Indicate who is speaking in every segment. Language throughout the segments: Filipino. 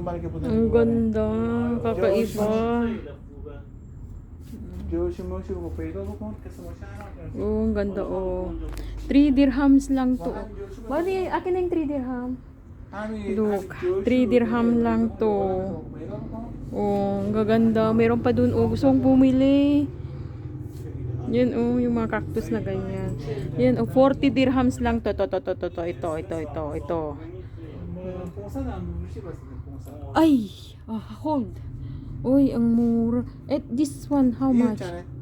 Speaker 1: Ang ganda. Kakaiba. Oh, ang ganda oh. 3 dirhams lang to. Bali, akin na yung 3 dirham. Look, 3 dirham lang to. Oh, ang gaganda. Meron pa dun oh. Gusto kong bumili. Yan oh, yung mga cactus na ganyan. Yan oh, 40 dirhams lang to. Ito. Ay, hold. Uy, ang mura. This one, how much?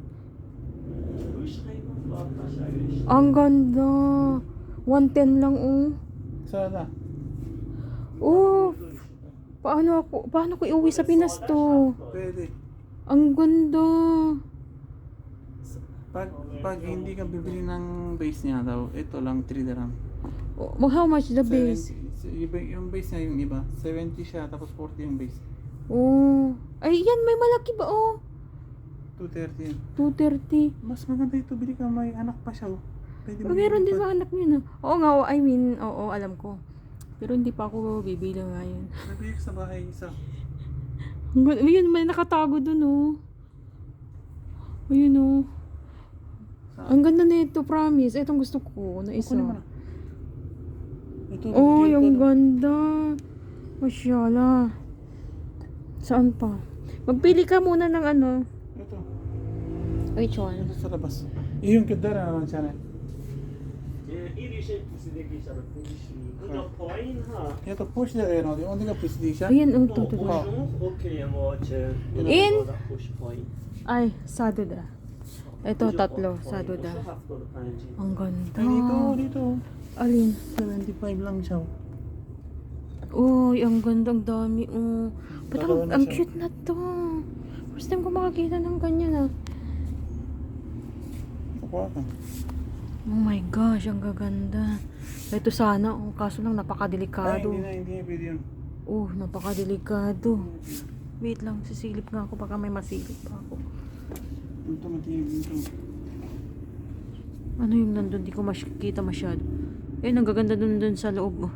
Speaker 1: Ang ganda. 110 lang oh.
Speaker 2: Sana.
Speaker 1: Oh, paano ko iuwi sa Pinas to?
Speaker 2: Pwede.
Speaker 1: Ang ganda.
Speaker 2: Pag hindi ka bibili ng base niya daw, ito lang 3 dirham.
Speaker 1: Oh, how much the base?
Speaker 2: Yung base niya yung iba, 70 siya tapos 40 yung base.
Speaker 1: Oh, ay yan may malaki ba oh?
Speaker 2: 230 yan.
Speaker 1: 230.
Speaker 2: Mas maganda ito, bili ka, may anak pa siya oh. Pwede
Speaker 1: Oh, meron din ba anak niyo na? Oo nga, I mean, oo, alam ko. Pero hindi pa ako bibili ngayon.
Speaker 2: Nabili ko sa bahay isa.
Speaker 1: Ayun, may nakatago dun oh. Ayun oh. Ang ganda na ito, promise. Itong gusto ko na isa.
Speaker 2: Kunin mo na. Ito,
Speaker 1: Oh,
Speaker 2: deal
Speaker 1: yung
Speaker 2: ko na.
Speaker 1: ganda. Masyala. Saan pa? Magpili ka muna ng ano.
Speaker 2: Ito.
Speaker 1: Which one?
Speaker 2: Ito sa labas. Yung kadara naman siya na.
Speaker 3: این ریشه پوسیده بیشتر فروشی اونجا پایین ها
Speaker 2: Ito push na rin, oh. Hindi ka push di siya.
Speaker 1: Ayan, oh,
Speaker 3: ما
Speaker 1: to.
Speaker 3: خوشمون اوکی ما چه
Speaker 1: این؟
Speaker 3: خوش پایین
Speaker 1: Ay, saduda. Ito, tatlo.
Speaker 3: واسه
Speaker 1: Saduda.
Speaker 3: 75
Speaker 1: Ang ganda.
Speaker 2: Ay, dito.
Speaker 1: Alin?
Speaker 2: 75 lang siya.
Speaker 1: Uy, ang ganda, ang dami. Oh. Ba't
Speaker 2: Dalawa na
Speaker 1: ang
Speaker 2: siya.
Speaker 1: cute na to. First time ko makakita ng ganyan ah.
Speaker 2: Kukuha ka.
Speaker 1: Oh my gosh, ang gaganda. Ito sana, oh, kaso lang
Speaker 2: Ay,
Speaker 1: napakadelikado.
Speaker 2: hindi na pwede yun.
Speaker 1: Oh, napakadelikado. Wait lang, sisilip nga ako, baka may masilip pa ako.
Speaker 2: Ito matigil dito.
Speaker 1: Ano yung nandun, di ko makita masyado. Eh, ang gaganda dun sa loob. Oh.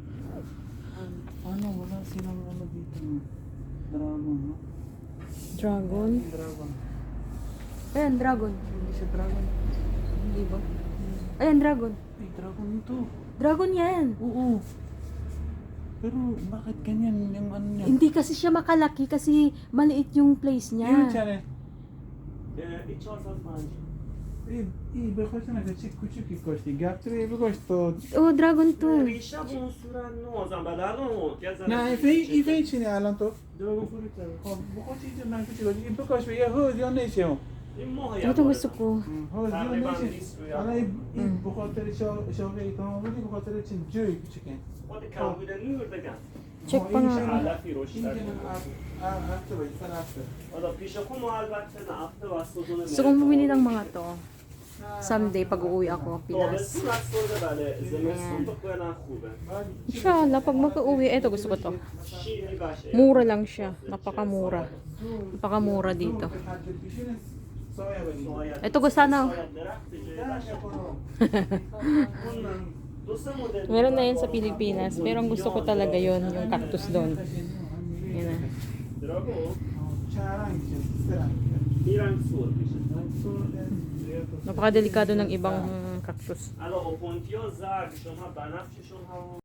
Speaker 2: Ano, wala silang ano dito. Dragon, no?
Speaker 1: Dragon?
Speaker 2: Dragon.
Speaker 1: Ayan, dragon.
Speaker 2: Hindi siya dragon.
Speaker 1: Hindi ba? Ayan, dragon.
Speaker 2: Ay, dragon ito.
Speaker 1: Dragon yan.
Speaker 2: Oo. Pero bakit ganyan yung ano niya?
Speaker 1: Hindi kasi siya makalaki kasi maliit yung place
Speaker 2: Yun
Speaker 1: niya.
Speaker 2: siya eh.
Speaker 3: این 405
Speaker 2: İyi bakıyorsun ne küçük küçük koştu. Gaptırıyor bir koştu.
Speaker 1: Oh, dragon to.
Speaker 3: ریشه به اون صورت نوازم بعد الان
Speaker 2: Ne ife içine alan to.
Speaker 3: دراگون فروت داره
Speaker 2: Bu koç içine ben küçük koştu. İpe koş ve ya hız yon ne işe o?
Speaker 3: این ماه
Speaker 1: Ito gusto ko.
Speaker 2: Hız yon ne işe? Ana bu kadar şovge tamam bu bu kadar için cüy küçük yani.
Speaker 3: خود کمبود نور بگم
Speaker 1: Check pa nga.
Speaker 3: علفی روش
Speaker 2: İnce
Speaker 3: داره
Speaker 2: hafta boyu sana hafta.
Speaker 3: حالا پیش خود ما البته نه هفته و سوزون
Speaker 1: Gusto kong bumili ng mga to. Someday, pag uuwi ako, Pinas.
Speaker 3: تابستون از خورده بله زمستون تو خونه خوبه
Speaker 1: Inshallah, pag mag-uuwi, eto gusto ko to.
Speaker 3: شیرینی باشه
Speaker 1: Mura lang siya. Napakamura. Napakamura dito.
Speaker 2: Soya bagi.
Speaker 1: Ito ko sana.
Speaker 3: شاید درخت جای باشه اون دو سه مدل
Speaker 1: Meron na yan sa Pilipinas. Pero ang gusto ko talaga yon yung cactus doon. Yan na.
Speaker 3: دراگون
Speaker 2: Çağıran gideceğiz. Sıra.
Speaker 3: این رنگ سور میشه
Speaker 1: Napakadelikado ng ibang cactus.
Speaker 3: الان اوپونتیا زرد شما بنفششون هم